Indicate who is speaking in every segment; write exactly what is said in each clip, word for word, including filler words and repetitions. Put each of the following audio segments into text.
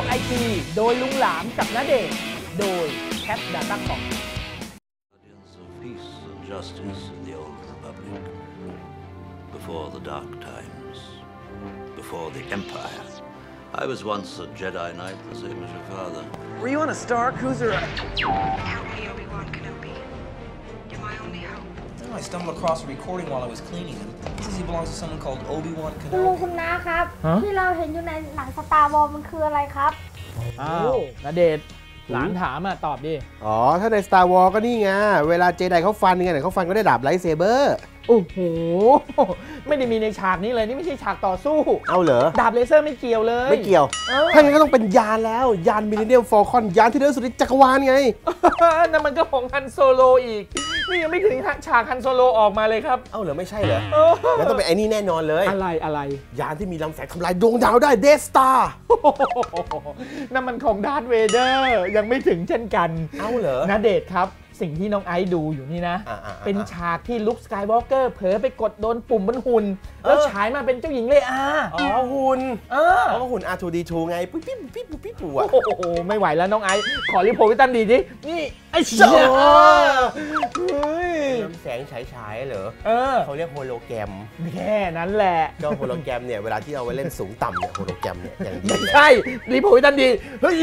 Speaker 1: ไอทีโดยลุงหลามกับณเดชน์โดยแคทดาต้าคอม
Speaker 2: Peace and justice in the old republic, before the dark times, before the empire. I was once a Jedi Knight, the same as your father.
Speaker 3: Were you on a Star Cruiser?
Speaker 4: Help me, Obi-Wan Kenobi. You're my only hope.
Speaker 3: Oh, I stumbled across a recording while I was cleaning him. It says he belongs to someone called Obi-Wan
Speaker 5: คุณลุง
Speaker 3: Kenobi.
Speaker 5: คุณน้าครับที่เราเห็นอยู่ในหนังสตาร์วอร์มันคืออะไรครับ
Speaker 1: อ้าวณเดชน์หลานถามอ่ะตอบดิ
Speaker 6: อ๋อถ้าใน Star Wars ก็นี่ไงเวลาเจไดเขาฟันกันเนี่ยเขาฟันก็ได้ดาบไลท์เซเบอร์
Speaker 1: โอ้โหไม่ได้มีในฉากนี้เลยนี่ไม่ใช่ฉากต่อสู้
Speaker 6: เอาเหรอ
Speaker 1: ดาบเลเซอร์ไม่เกี่ยวเลย
Speaker 6: ไม่เกี่ยวถ้างั้นก็ต้องเป็นยานแล้วยานมิลเลนเนียมฟอลคอนยานที่เร็วสุดในจักรวาลไง
Speaker 1: นั่นมันก็ของฮันโซโลอีกนี่ยังไม่ถึงฉากฮันโซโลออกมาเลยครับ
Speaker 6: เอาเหรอไม่ใช่เหรอแล้วต้องเป็นไอ้นี่แน่นอนเลย
Speaker 1: อะไรอะไร
Speaker 6: ยานที่มีลำแสงทำลายดวงดาวได้เดสตาร์
Speaker 1: นั่นมันของดาร์ธเวเดอร์ยังไม่ถึงเช่นกัน
Speaker 6: เอาเหรอ
Speaker 1: ณเดชน์ครับสิ่งที่น้องไอซ์ดูอยู่นี่นะเป็นฉากที่ลุคสกายวอล์กเกอร์เผลอไปกดโดนปุ่มบนหุ่นแล้วฉายมาเป็นเจ้าหญิงเลอา
Speaker 6: อ๋อหุ่นเอออ๋อหุ่น อาร์ ทู ดี ทู ไงปุ๊บปิ๊บปิ๊บปิ๊บปิ๊บปุ๊บอ่ะ
Speaker 1: โอ้โหไม่ไหวแล้วน้องไอซ์ขอรีโพวิตันดีดินี่ไอ้เชี่ย
Speaker 6: ลำแสงฉายฉายเหรอ
Speaker 1: เออ
Speaker 6: เขาเรียกโฮโลแกรม
Speaker 1: แค่นั้นแหละ
Speaker 6: ก็โฮโลแกรมเนี่ยเวลาที่เอาไว้เล่นสูงต่ำเนี่ยโฮโลแกรมเนี่ยอย่างดี
Speaker 1: ใช่รีโพวิตันดีเฮ้ย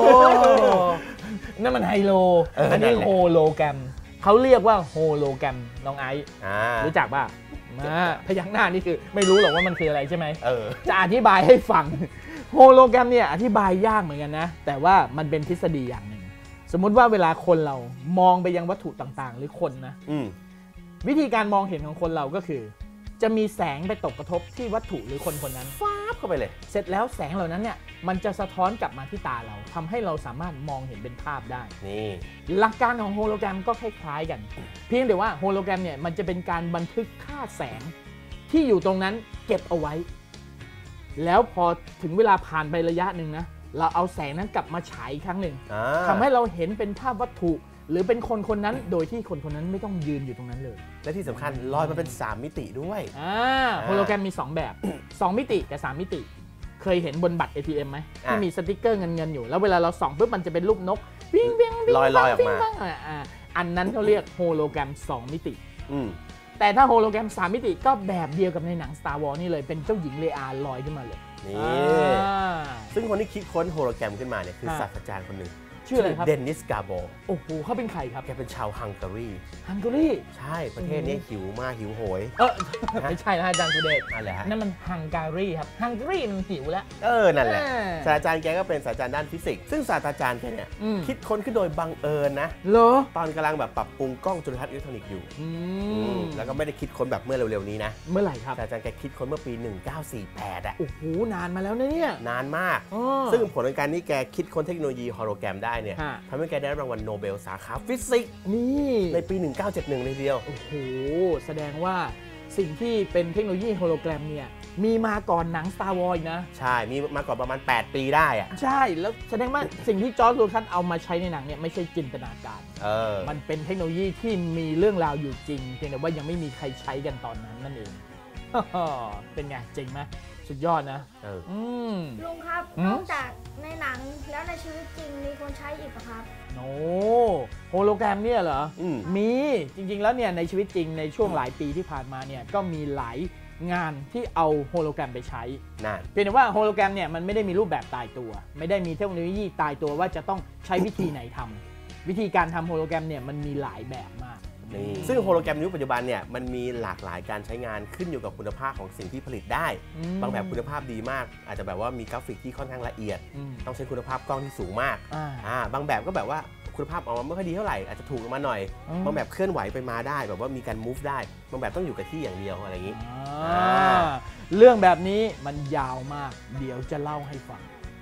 Speaker 1: นั่นมันไฮโลอันนี้โฮโลแกรมเขาเรียกว่าโฮโลแกรมน้องไอซ์รู้จักป่ะมาพยักหน้านี่คือไม่รู้หรอกว่ามันคืออะไรใช่ไหมจะอธิบายให้ฟังโฮโลแกรมเนี่ยอธิบายยากเหมือนกันนะแต่ว่ามันเป็นทฤษฎีอย่างหนึ่งสมมุติว่าเวลาคนเรามองไปยังวัตถุต่างๆหรือคนนะวิธีการมองเห็นของคนเราก็คือจะมีแสงไปตกกระทบที่วัตถุหรือคนคนนั้น
Speaker 6: ฟ้าเข้าไปเลย
Speaker 1: เสร็จแล้วแสงเหล่านั้นเนี่ยมันจะสะท้อนกลับมาที่ตาเราทำให้เราสามารถมองเห็นเป็นภาพได้
Speaker 6: นี่
Speaker 1: หลักการของโฮโลแกรมก็คล้ายๆกันเพียงแต่ว่าโฮโลแกรมเนี่ยมันจะเป็นการบันทึกค่าแสงที่อยู่ตรงนั้นเก็บเอาไว้แล้วพอถึงเวลาผ่านไประยะหนึ่งนะเราเอาแสงนั้นกลับมาฉายอีกครั้งหนึ่งทำให้เราเห็นเป็นภาพวัตถุหรือเป็นคนคนนั้นโดยที่คนคนนั้นไม่ต้องยืนอยู่ตรงนั้นเลย
Speaker 6: และที่สำคัญลอยมาเป็นสามมิติด้วย
Speaker 1: อ่าโฮโลแกรมมีสองแบบสองมิติกับสามมิติเคยเห็นบนบัตร เอ ที เอ็ม ไหมที่มีสติ๊กเกอร์เงินเงินอยู่แล้วเวลาเราส่องปุ๊บมันจะเป็นรูปนกวิ่งวิ่งวิ่ง
Speaker 6: ลอยลอยออกมา
Speaker 1: อันนั้นเขาเรียกโฮโลแกรมสองมิติแต่ถ้าโฮโลแกรมสามมิติก็แบบเดียวกับในหนัง Star Wars นี่เลยเป็นเจ้าหญิงเลอาลอยขึ้นมาเลย
Speaker 6: นี่ซึ่งคนที่คิดค้นโฮโลแกรมขึ้นมาเนี่ยคือศาสตราจารย์คนหนึ่ง
Speaker 1: ชื่ออะไรครับ
Speaker 6: เดนิสกาโบ
Speaker 1: โอ้โหเขาเป็นใครครับ
Speaker 6: แกเป็นชาวฮังการี
Speaker 1: ฮังการี
Speaker 6: ใช่ประเทศนี้หิวมากหิวโหย
Speaker 1: เออไม่ใช่นะอาจารย์สุเดช
Speaker 6: อะไรฮะ
Speaker 1: นั่นมันฮังการีครับฮังการีมันหิวแล้ว
Speaker 6: เออนั่นแหละศาสตราจารย์แกก็เป็นศาสตราจารย์ด้านฟิสิกส์ซึ่งศาสตราจารย์แกเนี่ยคิดค้นขึ้นโดยบังเอิญนะ
Speaker 1: เหรอ
Speaker 6: ตอนกำลังแบบปรับปรุงกล้องจุลทรรศน์อิเล็กทรอนิกส์อยู่แล้วก็ไม่ได้คิดค้นแบบเมื่อเร็วๆนี้นะ
Speaker 1: เมื่อไหร่ครับ
Speaker 6: ศาสตราจารย์แกคิดค้นเมื่อปีหนึ่งเก้าสี่แปดอ่ะ
Speaker 1: โอ้โหนานมาแล้วนะเนี่ย
Speaker 6: นานมากซึ่งผลของการที่แกคิดค้นเทคโนโลยีโฮโลแกรมได้เนี่ยทำให้แกได้รางวัลโนเบลสาขาฟิสิกส์
Speaker 1: นี่
Speaker 6: ในปีหนึ่งเก้าเจ็ดหนึ่งเลยเดียว
Speaker 1: โอ้โหแสดงว่าสิ่งที่เป็นเทคโนโลยีโฮโลแกรมเนี่ยมีมาก่อนหนัง Star Wars นะ
Speaker 6: ใช่มีมาก่อนประมาณแปดปีได้อะ
Speaker 1: ใช่แล้วแสดงว่าสิ่งที่จอร์จ ลูคัสเอามาใช้ในหนังเนี่ยไม่ใช่จินตนาการ
Speaker 6: เออ
Speaker 1: มันเป็นเทคโนโลยีที่มีเรื่องราวอยู่จริงเพียงแต่ว่ายังไม่มีใครใช้กันตอนนั้นนั่นเองเป็นไงจริงไหมสุดยอดนะ
Speaker 6: เออ
Speaker 5: ลุงครับนอกจากในหนังแล้วในชีวิตจริงมีคนใช้อีกปะครับ
Speaker 1: โอ้โฮโลแกรมเนี่ยเหรอมีจริงๆแล้วเนี่ยในชีวิตจริงในช่วงหลายปีที่ผ่านมาเนี่ยก็มีหลายงานที่เอาโฮโลแกรมไปใช้เพียงแต่ว่าโฮโลแกรมเนี่ยมันไม่ได้มีรูปแบบตายตัวไม่ได้มีเทคโนโลยีตายตัวว่าจะต้องใช้วิธีไหนทำวิธีการทำโฮโลแกรมเนี่ยมันมีหลายแบบมาก
Speaker 6: ซึ่งโฮโลแกรมในยุคปัจจุบันเนี่ยมันมีหลากหลายการใช้งานขึ้นอยู่กับคุณภาพของสิ่งที่ผลิตได้บางแบบคุณภาพดีมากอาจจะแบบว่ามีกราฟิกที่ค่อนข้างละเอียดต้องใช้คุณภาพกล้องที่สูงมากอ่าบางแบบก็แบบว่าคุณภาพออกมาไม่ค่อยดีเท่าไหร่อาจจะถูกลงมาหน่อยบางแบบเคลื่อนไหวไปมาได้แบบว่ามีการ move ได้บางแบบต้องอยู่กับที่อย่างเดียวอะไรอย่างนี้
Speaker 1: เรื่องแบบนี้มันยาวมากเดี๋ยวจะเล่าให้ฟัง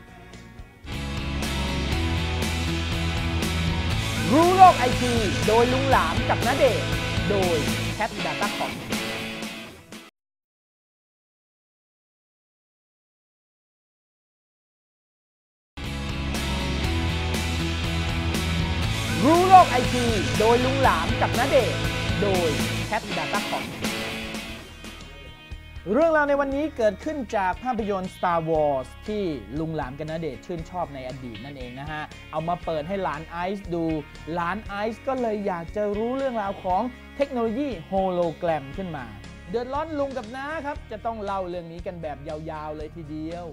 Speaker 1: รู้โลกไอทีโดยลุงหลามกับณเดชน์โดยแคทดาต้าคอมรู้โลกไอทีโดยลุงหลามกับณเดชน์โดยแคทดาต้าคอมเรื่องราวในวันนี้เกิดขึ้นจากภาพยนตร์ Star Wars ที่ลุงหลานกนเดชชื่นชอบในอดีตนั่นเองนะฮะเอามาเปิดให้หลานไอซ์ดูหลานไอซ์ก็เลยอยากจะรู้เรื่องราวของเทคโนโลยีโฮโลแกรมขึ้นมาเดือดร้อนลุงกับน้าครับจะต้องเล่าเรื่องนี้กันแบบยาวๆเลยทีเดียว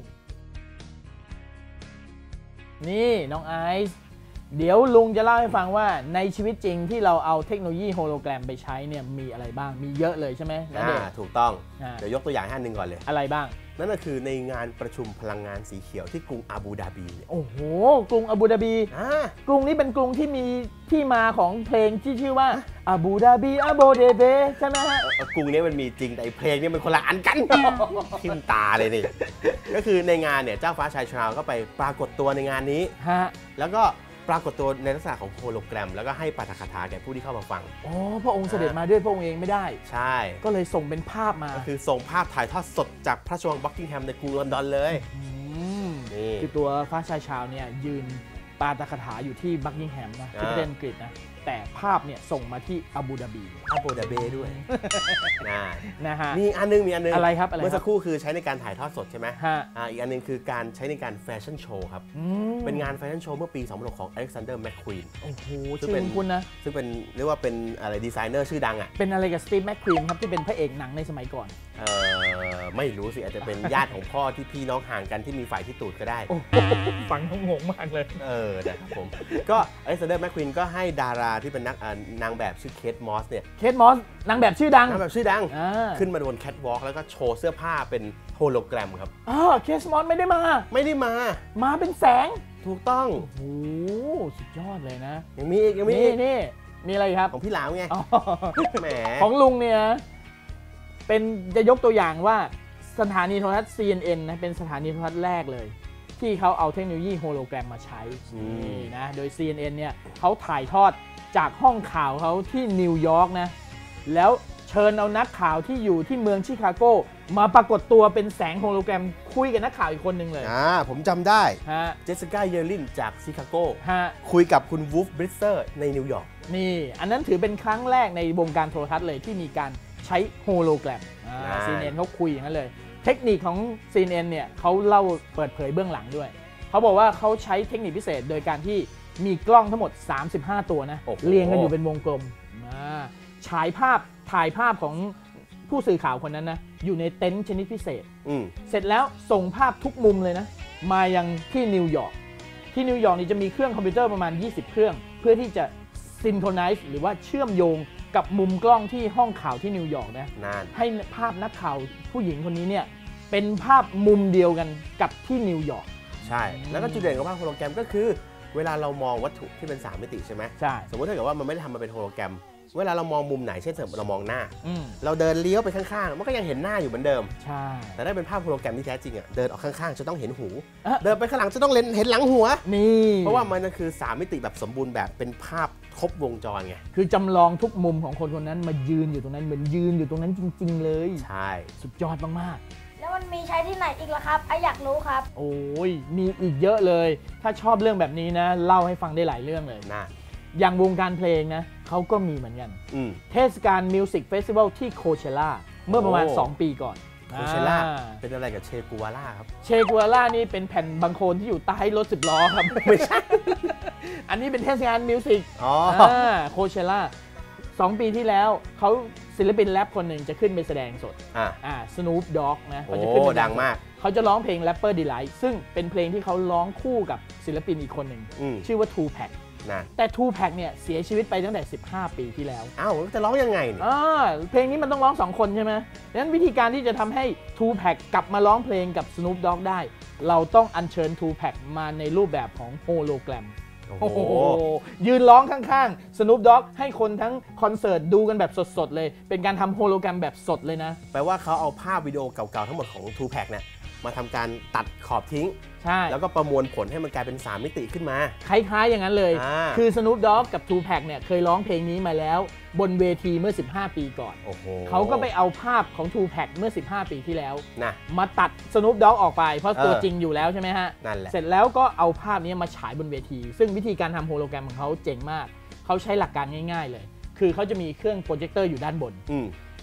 Speaker 1: นี่น้องไอซ์เดี๋ยวลุงจะเล่าให้ฟังว่าในชีวิตจริงที่เราเอาเทคโนโลยีโฮโลแกรมไปใช้เนี่ยมีอะไรบ้างมีเยอะเลยใช่ไหมณเดชน์
Speaker 6: ถูกต้อง
Speaker 1: อ่า
Speaker 6: เดี๋ยวยกตัวอย่างให้อันหนึ่งก่อนเลย
Speaker 1: อะไรบ้าง
Speaker 6: นั่นก็คือในงานประชุมพลังงานสีเขียวที่กรุงอาบูดาบีเนี่ย
Speaker 1: โอ้โหกรุงอาบูดาบี
Speaker 6: อ่าก
Speaker 1: รุงนี้เป็นกรุงที่มีที่มาของเพลงที่ชื่อว่าอาบูดาบีอาโบเดเบใช่ไหมฮะ
Speaker 6: กรุงนี้มันมีจริงแต่เพลงนี่มันคนละอันกันทิมตาเลยนี่ก็คือในงานเนี่ยเจ้าฟ้าชายชราก็ไปปรากฏตัวในงานนี้
Speaker 1: ฮะ
Speaker 6: แล้วก็ปรากฏตัวในลักษณะของโฮโลแกรมแล้วก็ให้ปาฐกถาแก่ผู้ที่เข้ามาฟัง
Speaker 1: อ๋อพระองค์เสด็จมาด้วยพระองค์เองไม่ได้
Speaker 6: ใช่
Speaker 1: ก็เลยส่งเป็นภาพมา
Speaker 6: ก็คือส่งภาพถ่ายทอดสดจากพระราชวังบักกิงแฮมในกรุงลอนดอนเลย
Speaker 1: นี่คือตัวฟ้าชายชาวเนี่ยยืนปาฐกถาอยู่ที่บักกิงแฮมนะที่ประเทศอังกฤษนะแต่ภาพเนี่ยส่งมาที่อาบูดาบี
Speaker 6: อาบูดาบีด้วยนะ
Speaker 1: นะฮะ
Speaker 6: มีอันนึงมีอันนึง
Speaker 1: อะไรครับ
Speaker 6: เมื่อสักครู่คือใช้ในการถ่ายทอดสดใช่ไหม
Speaker 1: ฮะ
Speaker 6: อีกอันนึงคือการใช้ในการแฟชั่นโชว์ครับเป็นงานแฟชั่นโชว์เมื่อปีสองพันหกของอเล็กซานเดอร์แมคควีน
Speaker 1: โอ้โหชื่อคุณนะ
Speaker 6: ซึ่งเป็นเรียกว่าเป็นอะไรดีไซเนอร์ชื่อดังอ่ะ
Speaker 1: เป็นอะไรกับสตีฟแมคควีนครับที่เป็นพระเอกหนังในสมัยก่อน
Speaker 6: เออไม่รู้สิอาจจะเป็นญาติของพ่อที่พี่น้องห่างกันที่มีฝ่ายที่ตูดก็ได้
Speaker 1: ฟังงงมากเลย
Speaker 6: เออนะครับผมก็อเล็กซานเดอร์แมคควีนก็ให้ดาราที่เป็นนักนางแบบชื่อเคทมอสเนี่ย
Speaker 1: เคทมอสนางแบบชื่อดัง
Speaker 6: นางแบบชื่อดังขึ้นมาบนแคทวอล์กแล้วก็โชว์เสื้อผ้าเป็นโฮโลแกรมครับ
Speaker 1: อ๋อเคทมอสไม่ได้มา
Speaker 6: ไม่ได้มา
Speaker 1: มาเป็นแสง
Speaker 6: ถูกต้อง
Speaker 1: โอ้สุดยอดเลยนะ
Speaker 6: ยังมีอีกยังมี
Speaker 1: อีกนี่มีอะไรครับ
Speaker 6: ของพี่หลามไงแหม
Speaker 1: ของลุงเนี่ยเป็นจะยกตัวอย่างว่าสถานีโทรทัศน์ ซี เอ็น เอ็น นะเป็นสถานีโทรทัศน์แรกเลยที่เขาเอาเทคโนโลยีโฮโลแกรมมาใช้นี่นะโดย ซี เอ็น เอ็น เนี่ยเขาถ่ายทอดจากห้องข่าวเขาที่นิวยอร์กนะแล้วเชิญเอานักข่าวที่อยู่ที่เมืองชิคาโกมาปรากฏตัวเป็นแสงโฮโลแกรมคุยกับนักข่าวอีกคนหนึ่งเลย
Speaker 6: อ่าผมจำได้เจสสิก้าเยอร์ลินจากชิคาโกคุยกับคุณวูฟบริสเตอร์ในนิวยอร์ก
Speaker 1: นี่อันนั้นถือเป็นครั้งแรกในวงการโทรทัศน์เลยที่มีการใช้โฮโลแกรม ซี เอ็น เอ็น เขาคุยอย่างนั้นเลยเทคนิคของ ซี เอ็น เอ็น เนี่ยเขาเล่าเปิดเผยเบื้องหลังด้วยเขาบอกว่าเขาใช้เทคนิคพิเศษโดยการที่มีกล้องทั้งหมดสามสิบห้าตัวนะเรียงกันอยู่เป็นวงกลมฉายภาพถ่ายภาพของผู้สื่อข่าวคนนั้นนะอยู่ในเต็นท์ชนิดพิเศษเสร็จแล้วส่งภาพทุกมุมเลยนะมายังที่นิวยอร์กที่นิวยอร์กนี่จะมีเครื่องคอมพิวเตอร์ประมาณยี่สิบเครื่องเพื่อที่จะซินโครไนซ์หรือว่าเชื่อมโยงกับมุมกล้องที่ห้องข่าวที่นิวยอร์กนะให้ภาพนักข่าวผู้หญิงคนนี้เนี่ยเป็นภาพมุมเดียวกันกับที่นิวยอร์ก
Speaker 6: ใช่แล้วก็จุดเด่นของภาพโฮโลแกรมก็คือเวลาเรามองวัตถุที่เป็นสามมิติใช่ไหม
Speaker 1: ใช่
Speaker 6: สมมติถ้าเกิดว่ามันไม่ได้ทำมาเป็นโฮโลแกรมเวลาเรามองมุมไหนเช่นเรามองหน้าเราเดินเลี้ยวไปข้างๆมันก็ยังเห็นหน้าอยู่เหมือนเดิม
Speaker 1: ใช่
Speaker 6: แต่ได้เป็นภาพโฮโลแกรมที่แท้จริงอ่ะเดินออกข้างๆจะต้องเห็นหูเดินไปข้างหลังจะต้องเห็นหลังหัว
Speaker 1: นี่
Speaker 6: เพราะว่ามันคือสามมิติแบบสมบูรณ์แบบเป็นภาพครบวงจรไง
Speaker 1: คือจำลองทุกมุมของคนคนนั้นมายืนอยู่ตรงนั้นเหมือนยืนอยู่ตรงนั้นจริงๆเลย
Speaker 6: ใช่
Speaker 1: สุดยอดมาก
Speaker 5: ๆแล้วมันมีใช้ที่ไหนอีกล่ะครับไออยากรู้ครับ
Speaker 1: โอ้ยมีอีกเยอะเลยถ้าชอบเรื่องแบบนี้นะเล่าให้ฟังได้หลายเรื่องเลย
Speaker 6: นะ
Speaker 1: อย่างวงการเพลงนะเขาก็มีเหมือนกันเทศกาลมิวสิกเฟสติวัลที่โคเชล่าเมื่อประมาณสองปีก่อน
Speaker 6: โคเชล่าเป็นอะไรกับเชกูวาล่าครับ
Speaker 1: เชกูวาล่านี่เป็นแผ่นบางโคลนที่อยู่ใต้รถสิบล้อครับ
Speaker 6: ไม่ใช่
Speaker 1: อันนี้เป็นเทศกาลมิวสิกโคเชล่าสองปีที่แล้วเขาศิลปินแรปคนหนึ่งจะขึ้นไปแสดงสดอ่าสนูปด็อกนะเขาจะขึ้น
Speaker 6: ดังมาก
Speaker 1: เขาจะร้องเพลง Rapper Delight ซึ่งเป็นเพลงที่เขาร้องคู่กับศิลปินอีกคนหนึ่งชื่อว่า ทูแพ็คแต่ ทูแพ็คเนี่ยเสียชีวิตไปตั้งแต่สิบห้าปีที่แล้ว
Speaker 6: อ้าวจะร้องยังไงเนี่ย
Speaker 1: อ่าเพลงนี้มันต้องร้องสองคนใช่ไหมดังนั้นวิธีการที่จะทำให้ ทูแพ็คกลับมาร้องเพลงกับ Snoop Dogg ได้เราต้องอัญเชิญ ทูแพ็คมาในรูปแบบของโฮโลแกรมโอ้โหยืนร้องข้างๆ Snoop Dogg ให้คนทั้งคอนเสิร์ตดูกันแบบสดๆเลยเป็นการทำโฮโลแกรมแบบสดเลยนะ
Speaker 6: แปลว่าเขาเอาภาพวิดีโอเก่าๆทั้งหมดของ ทูแพ็คเนี่ยมาทำการตัดขอบทิ้ง
Speaker 1: ใช่
Speaker 6: แล้วก็ประมวลผลให้มันกลายเป็นสามมิติขึ้นมา
Speaker 1: คล้ายๆอย่างนั้นเลยคือ Snoop Dogg กับ ทูแพ็คเนี่ยเคยร้องเพลงนี้มาแล้วบนเวทีเมื่อสิบห้าปีก่อนเขาก็ไปเอาภาพของ ทูแพ็คเมื่อสิบห้าปีที่แล้ว
Speaker 6: นะ
Speaker 1: มาตัด Snoop Dogg ออกไปเพราะตัวจริงอยู่แล้วใช่ไหมฮะ
Speaker 6: นั่นแหละ
Speaker 1: เสร็จแล้วก็เอาภาพนี้มาฉายบนเวทีซึ่งวิธีการทำโฮโลแกรมของเขาเจ๋งมากเขาใช้หลักการง่ายๆเลยคือเขาจะมีเครื่องโปรเจคเตอร์อยู่ด้านบน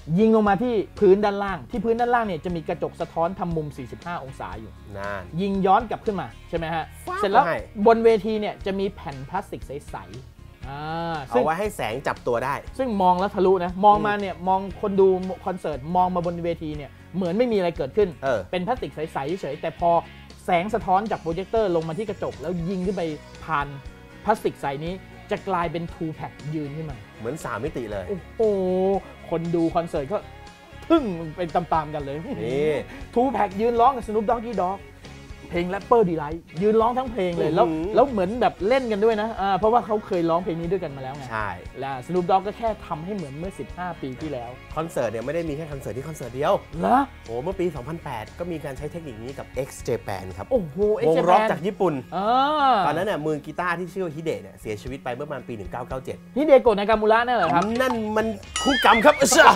Speaker 1: ยิงลงมาที่พื้นด้านล่างที่พื้นด้านล่างเนี่ยจะมีกระจกสะท้อนทำมุมสี่สิบห้าองศาอยู่นั่นยิงย้อนกลับขึ้นมาใช่ไหมฮะเสร็จแล้วบนเวทีเนี่ยจะมีแผ่นพลาสติกใสๆ
Speaker 6: เอาไว้ให้แสงจับตัวได้
Speaker 1: ซึ่งมองแล้วทะลุนะมองมาเนี่ยมองคนดูคอนเสิร์ตมองมาบนเวทีเนี่ยเหมือนไม่มีอะไรเกิดขึ้น เออ เป็นพลาสติกใสๆเฉยแต่พอแสงสะท้อนจากโปรเจคเตอร์ลงมาที่กระจกแล้วยิงขึ้นไปผ่านพลาสติกใสนี้จะกลายเป็น ทู แพ็ค ยืนขึ้นมา
Speaker 6: เหมือนสามมิติเลย
Speaker 1: โอ้โหคนดูคอนเสิร์ตก็ทึ่งเป็นตามๆกันเลยนี่ ทู แพ็ค ยืนร้องกับ Snoop Doggy Dogg เพลง Rapper Delight ยืนร้องทั้งเพลงเลยแล้วแล้วเหมือนแบบเล่นกันด้วยนะเพราะว่าเขาเคยร้องเพลงนี้ด้วยกันมาแล้วไง
Speaker 6: ใช่
Speaker 1: แล้ว Snoop Dogg ก็แค่ทำให้เหมือนเมื่อสิบห้าปีที่แล้ว
Speaker 6: คอนเสิร์ตเนี่ยไม่ได้มีแค่คอนเสิร์ตที่คอนเสิร์ตเดียว
Speaker 1: เหรอ
Speaker 6: โอ้เมื่อปีสองพันแปดก็มีการใช้เทคนิคนี้กับ X Japan ครับ
Speaker 1: โอ้โห
Speaker 6: วงร็อกจากญี่ปุ่นตอนนั้นเนี่ยมือกีตาร์ที่ชื่อว่าฮิเดะเนี่ยเสียชีวิตไปเมื่อประมาณปีหนึ่งพันเก้าร้อยเก้าสิบเจ็ด
Speaker 1: ฮิเดโกะนากามูระนั่นเหรอครับ
Speaker 6: นั่นมันคู่กรรมครับ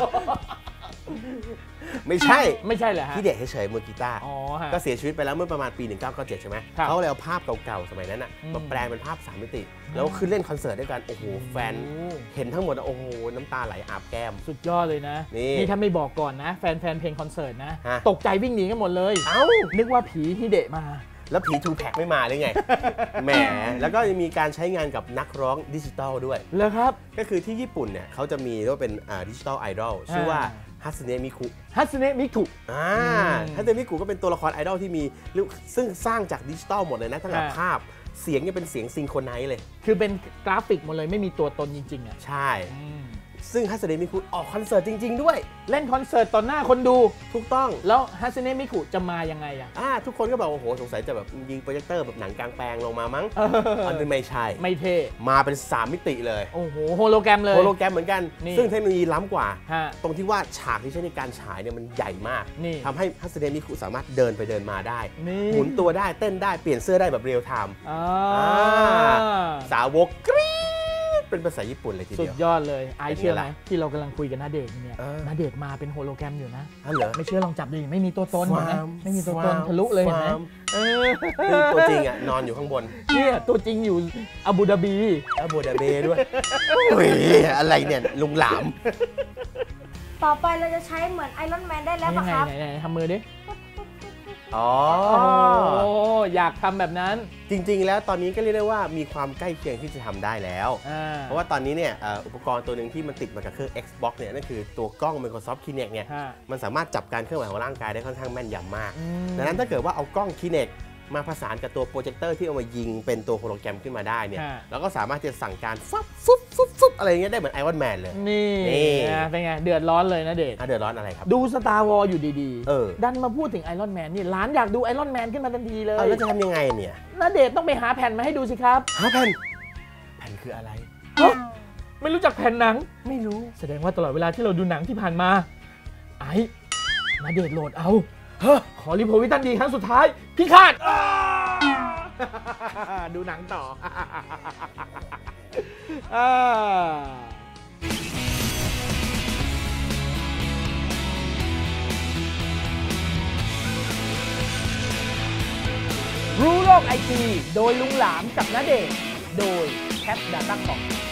Speaker 6: ไม่ใช่
Speaker 1: ไม่ใช่เหรอฮะ
Speaker 6: ที่เด็กเฉยๆมือกีตาร์ก็เสียชีวิตไปแล้วเมื่อประมาณปีหนึ่งพันเก้าร้อยเก้าสิบเจ็ดใช่ไหมเขาเลยเอาภาพเก่าๆสมัยนั้นอ่ะมาแปลงเป็นภาพสามมิติแล้วขึ้นเล่นคอนเสิร์ตด้วยกันโอ้โหแฟนเห็นทั้งหมดโอ้โหน้ำตาไหลอาบแก้ม
Speaker 1: สุดยอดเลยนะนี่ถ้าไม่บอกก่อนนะแฟนๆเพลงคอนเสิร์ตนะตกใจวิ่งหนีกันหมดเลย
Speaker 6: เอ้า
Speaker 1: นึกว่าผีฮิเดะมา
Speaker 6: แล้วผี ทู แพ็ค ไม่มาเลยไงแหมแล้วก็มีการใช้งานกับนักร้องดิจิตอลด้วย
Speaker 1: แล้วครับ
Speaker 6: ก็คือที่ญี่ปุ่นเนี่ยเขาจะมีเรียกว่าเป็นดิจิตอลไอดอลชื่อว่าฮัตสึเนะมิคุ
Speaker 1: ฮัตสึเนะมิคุ
Speaker 6: อ่าฮัตสึเนะมิคุก็เป็นตัวละครไอดอลที่มีซึ่งสร้างจากดิจิตอลหมดเลยนะทั้งภาพเสียงเนี่ยเป็นเสียงซิงโครไนซ์เลย
Speaker 1: คือเป็นกราฟิกหมดเลยไม่มีตัวตนจริงๆอ่ะ
Speaker 6: ใช่ซึ่งฮัตสึเนะมิคุออกคอนเสิร์ตจริงๆด้วย
Speaker 1: เล่นคอนเสิร์ตต่อหน้าคนดู
Speaker 6: ถูกต้อง
Speaker 1: แล้วฮัตสึเนะมิคุจะมายังไงอ่ะ
Speaker 6: อ่าทุกคนก็บอกโอ้โหสงสัยจะแบบยิงโปรเจคเตอร์แบบหนังกลางแปลงลงมามั้งอันนี้ไม่ใช่
Speaker 1: ไม่เท่
Speaker 6: มาเป็นสามมิติเลย
Speaker 1: โอ้โหโฮโลแกรมเลย
Speaker 6: โฮโลแกรมเหมือนกันซึ่งเทคโนโลยีล้ำกว่าตรงที่ว่าฉากที่ใช้ในการฉายเนี่ยมันใหญ่มากทำให้ฮัตสึเนะมิคุสามารถเดินไปเดินมาได้หมุนตัวได้เต้นได้เปลี่ยนเสื้อได้แบบเรียลไทม์สาวกกรี๊ดเป็นภาษาญี่ปุ่นเลยทีเดียว
Speaker 1: สุดยอดเลยไอเชื่อไหมที่เรากำลังคุยกันณเดชน์เนี่ยณเดชน์มาเป็นโฮโลแกรมอยู่นะไม่เชื่อลองจับดิไม่มีตัวตนเห็นไหมไม่มีตัวตนทะลุเลยเห็นไหม
Speaker 6: ตัวจริงอ่ะนอนอยู่ข้างบน
Speaker 1: เนี่ยตัวจริงอยู่อาบูดาบี
Speaker 6: อาบูดาบีด้วยอะไรเนี่ยลุงหลาม
Speaker 5: ต่อไปเราจะใช้เหมือนไอรอนแมนได้แล้วป่ะครับ
Speaker 1: ไหนๆทำมือดิ
Speaker 6: อ๋อ
Speaker 1: อยากทำแบบนั้น
Speaker 6: จริงๆแล้วตอนนี้ก็เรียกได้ว่ามีความใกล้เคียงที่จะทำได้แล้วเพราะว่าตอนนี้เนี่ยอุปกรณ์ตัวหนึ่งที่มันติดมากับเครื่อง Xbox เนี่ยนั่นคือตัวกล้อง Microsoft Kinect เนี่ยมันสามารถจับการเคลื่อนไหวของร่างกายได้ค่อนข้างแม่นยำมากดังนั้นถ้าเกิดว่าเอากล้อง Kinect มาผสานกับตัวโปรเจคเตอร์ที่เอามายิงเป็นตัวโฮโลแกรมขึ้นมาได้เนี่ยแล้วก็สามารถจะสั่งการฟับฟุบฟุบฟุบอะไรเงี้ยได้เหมือนไอรอนแมนเลย
Speaker 1: นี่เป็นไงเดือดร้อนเลยนะเดช
Speaker 6: เดือดร้อนอะไรครับ
Speaker 1: ดูสตาร์วอร์อยู่ดีๆดันมาพูดถึงไอรอนแมนนี่ร้านอยากดูไอรอนแมนขึ้นมาทันทีเลย
Speaker 6: แล้วจะทำยังไงเนี่ย
Speaker 1: นะเดชต้องไปหาแผ่นมาให้ดูสิครับ
Speaker 6: หาแผ่นแผ่นคืออะไร
Speaker 1: ไม่รู้จักแผ่นหนัง
Speaker 6: ไม่รู้
Speaker 1: แสดงว่าตลอดเวลาที่เราดูหนังที่ผ่านมาไอ้นะเดชโหลดเอาขอรีโพวิตันดีครั้งสุดท้ายพี่คาดดูหนังต่อรู้โลกไอทีโดยลุงหลามกับณเดชน์โดยแคปดาต้าคอม